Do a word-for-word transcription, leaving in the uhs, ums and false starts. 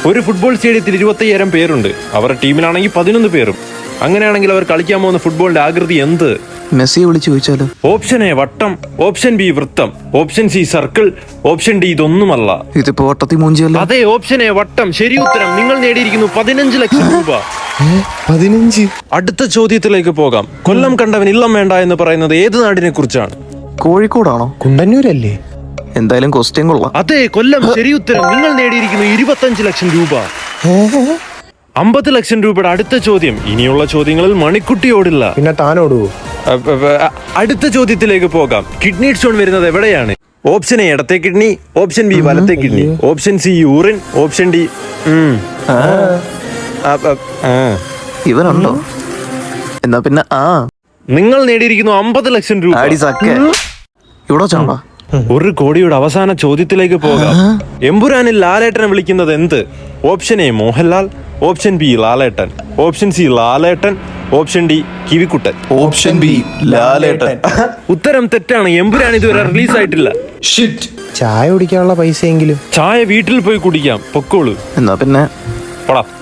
ഒരു ഫുട്ബോൾ സ്റ്റേഡിയത്തിൽ ഇരുപത്തയ്യായിരം പേരുണ്ട്. അവരുടെ ടീമിലാണെങ്കിൽ പതിനൊന്ന് പേരും. അങ്ങനെയാണെങ്കിൽ അവർ കളിക്കാൻ പോകുന്ന ഫുട്ബോളിന്റെ ആകൃതി എന്ത്? മെസ്സിയെ വിളിച്ചു ചോദിച്ചാലോ? ഓപ്ഷൻ എ വട്ടം, ഓപ്ഷൻ ബി വൃത്തം, option C circle, option D ഇതൊന്നുമല്ല. ഇതിപ്പോ വട്ടത്തി മൂഞ്ചിയല്ലോ. അതെ, ഓപ്ഷൻ എ വട്ടം. ശരി ഉത്തരം. നിങ്ങൾ നേടിയിരിക്കുന്നു പതിനഞ്ച് ലക്ഷം രൂപ. പതിനഞ്ച്. അടുത്ത ചോദ്യത്തിലേക്ക് പോകാം. കൊല്ലം കണ്ടവൻ ഇല്ലം വേണ്ട എന്ന് പറയുന്നത് ഏത് നാടിനെ കുറിച്ചാണ്? കോഴിക്കോടാണോ? കുണ്ടന്നൂരല്ലേ? എന്തായാലും ക്വസ്റ്റ്യൻ കൊള്ളാം. അതെ, കൊല്ലം. ശരി ഉത്തരം. നിങ്ങൾ നേടിയിരിക്കുന്നു ഇരുപത്തഞ്ച് ലക്ഷം രൂപ. അമ്പത് ലക്ഷം രൂപയുടെ അടുത്ത ചോദ്യം. ഇനിയുള്ള ചോദ്യങ്ങളിൽ മണിക്കുട്ടിയോടില്ല. പിന്നെ താനോടുവോ? അടുത്ത ചോദ്യത്തിലേക്ക് പോകാം. കിഡ്നി സ്റ്റോൺ വരുന്നത് എവിടെയാണ്? ഓപ്ഷൻ എ ഇടത്തെ കിഡ്നി, ഓപ്ഷൻ ബി വലത്തെ kidney, option C urine, option D ഇവനുണ്ടോ? എന്നാ പിന്നെ ആ നിങ്ങൾ നേടിയിരിക്കുന്നു അമ്പത് ലക്ഷം രൂപ. ഇവിടെ ചാണ്ടാ. ഒരു കോടിയുടെ അവസാന ചോദ്യത്തിലേക്ക് പോകാം. എമ്പുരാനിൽ ലാലേട്ടനെ വിളിക്കുന്നത് എന്ത്? Option A Mohanlal, option B Lalettan, option C Lalettan, option D കിവിക്കുട്ടൻ. Option B Lalettan. ഉത്തരം തെറ്റാണ്. എമ്പുരാൻ ഇതുവരെ റിലീസ് ആയിട്ടില്ല. ചായ കുടിക്കാനുള്ള പൈസയെങ്കിലും. ചായ വീട്ടിൽ പോയി കുടിക്കാം. പൊക്കോളൂ. എന്നാ പിന്നെ പോടാ.